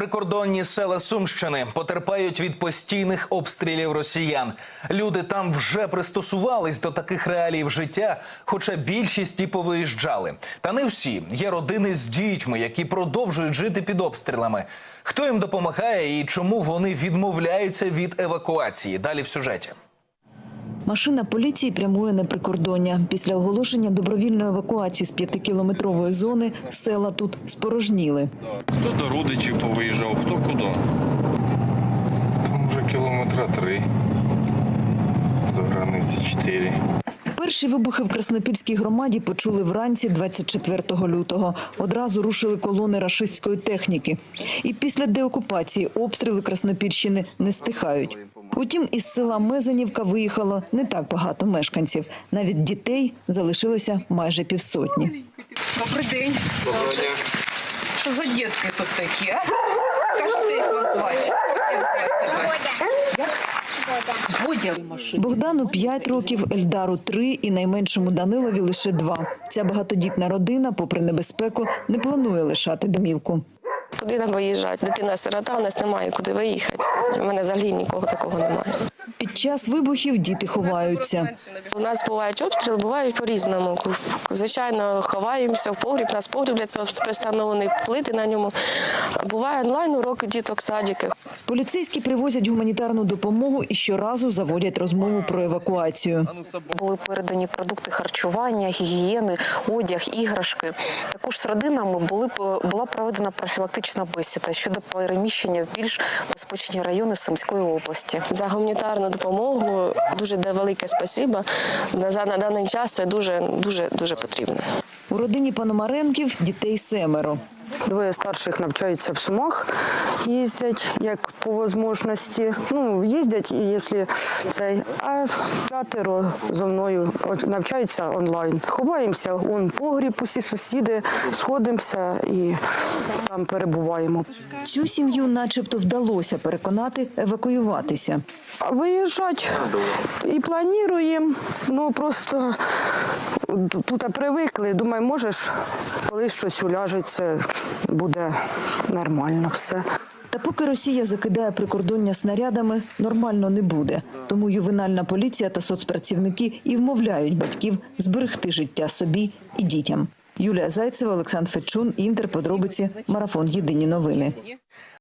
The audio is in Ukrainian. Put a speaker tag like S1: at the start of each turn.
S1: Прикордонні села Сумщини потерпають від постійних обстрілів росіян. Люди там вже пристосувались до таких реалій життя, хоча більшість і повиїжджали. Та не всі. Є родини з дітьми, які продовжують жити під обстрілами. Хто їм допомагає і чому вони відмовляються від евакуації? Далі в сюжеті.
S2: Машина поліції прямує на прикордоння. Після оголошення добровільної евакуації з 5-кілометрової зони села тут спорожніли.
S3: Хто до родичів повиїжджав, хто куди. Там вже кілометра 3, до границі 4.
S2: Перші вибухи в Краснопільській громаді почули вранці 24 лютого. Одразу рушили колони рашистської техніки. І після деокупації обстріли Краснопільщини не стихають. Утім, із села Мезенівка виїхало не так багато мешканців. Навіть дітей залишилося майже півсотні.
S4: Добрий день. Доброго дня. Що за дітки тут такі, а? Скажіть, як вас звати? Бодя.
S2: Богдану 5 років, Ельдару 3 і найменшому Данилові лише 2. Ця багатодітна родина, попри небезпеку, не планує лишати домівку.
S5: Куди нам виїжджати? Дитина-сирота, у нас немає куди виїхати. У мене взагалі нікого такого немає.
S2: Під час вибухів діти ховаються.
S5: У нас бувають обстріли, бувають по-різному. Звичайно, ховаємося в погріб, у нас погріб для цього пристановлений, плити на ньому. Буває онлайн-уроки діток, садики.
S2: Поліцейські привозять гуманітарну допомогу і щоразу заводять розмову про евакуацію.
S6: Були передані продукти харчування, гігієни, одяг, іграшки. Також з родинами була проведена профілактична бесіда щодо переміщення в більш безпечні райони Сумської області.
S5: За гуманітарну допомогу дуже велике спасибо. На даний час це дуже потрібно.
S2: У родині Пономаренків дітей 7.
S7: Двоє старших навчаються в Сумах, їздять, як по можливості. Їздять, і якщо цей, а 5 зо мною навчаються онлайн. Ховаємося, погріб, усі сусіди, сходимося і там перебуваємо.
S2: Цю сім'ю начебто вдалося переконати евакуюватися.
S7: Виїжджати і плануємо, просто тут привикли, думаю, можеш, коли щось уляжеться, буде нормально все.
S2: Та поки Росія закидає прикордоння снарядами, нормально не буде. Тому ювенальна поліція та соцпрацівники і вмовляють батьків зберегти життя собі і дітям. Юлія Зайцева, Олександр Федчун, Інтер, подробиці, Марафон. Єдині новини.